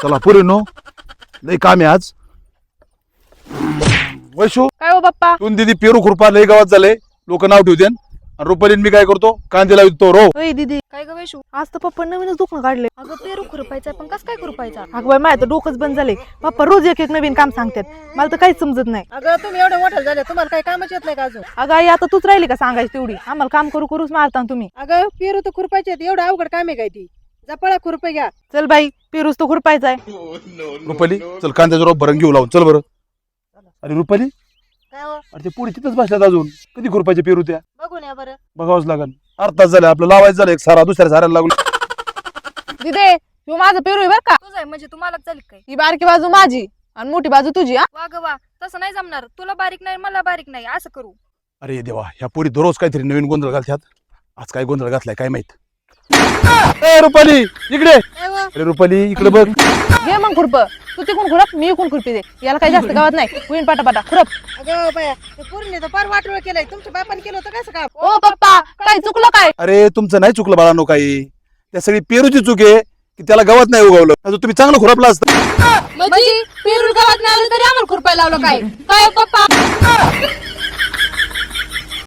चला पुरे नो लय काम आहे आज. वैशू काय हो बाप्पा? तू दीदी पेरू खुरपा लय गावात झाले, लोक नाव ठेवते. आणि रुपालीन मी काय करतो, कांदे लावतो रो. ओय दीदी, काय ग वैशू? आज तर पप्पा नवीनच दुकान काढले. अगं पेरू खुरपायचा पण कस काय खुरपायचा? अगं बाई माझं तर डोकंच बंद झाले. पप्पा रोज एक एक नवीन काम सांगतात, मला तर काहीच समजत नाही. अगं तुम्ही एवढं मोठं झालं, तुम्हाला काही कामच येत नाही का अजून? अगं आई आता तूच राहिली का सांगायची तेवढी? आम्हाला काम करू करूच मारता ना तुम्ही. अगं पेरू तर खुरपायचे आहेत, एवढं अवघड काम आहे काय ती? जपळा खुरपे घ्या. चल बाई, पेरूस तो खुरपायचाय. रुपाली चल कांद्याचा रोप भरून घेऊ लावून चल बरं. अरे रुपाली, काय हो? अरे ते पुढे तिथंच बसल्यात अजून. कधी खुरपायचे पेरू त्या? बघून या बरं. बघावंच लागल. अर्धा तास झाला आपलं लावायचं झालं, एक सारा दुसऱ्या साऱ्याला लागलो. दिदे, तू माझं पेरू आहे बर का? तुझं आहे म्हणजे तुम्हाला झाली काय? ही बारकी बाजू माझी आणि मोठी बाजू तुझी. हा वा ग वा, तसं नाही जमणार. तुला बारीक नाही मला बारीक नाही, असं करू. अरे देवा, ह्या पोरी दररोज काहीतरी नवीन गोंधळ घालतात. आज काय गोंधळ घातलाय काय माहित. ए रुपाली इकडे. काय हो? अरे रुपाली इकडे बघ. घे मग खुरप. तू तिकून खुरप, मी इकून खुरपी दे. याला काही जास्त गावात नाही. होईन पाटा खुरप. अगं बाया, ते पोरीने तर फार वाटोळ केलंय. तुमच्या बापाने केलं होतं कसं काम? ओ पप्पा, काय चुकलं काय? अरे तुमचं नाही चुकलं बाळांनो काही. त्या सगळी पेरूची चूक आहे की त्याला गवत नाही उगवलं. अजून तुम्ही चांगलं खुरपला असतं. म्हणजे पेरू गावात नाही आलं तरी आम्हाला खुरपायला लावलं काय? काय पप्पा?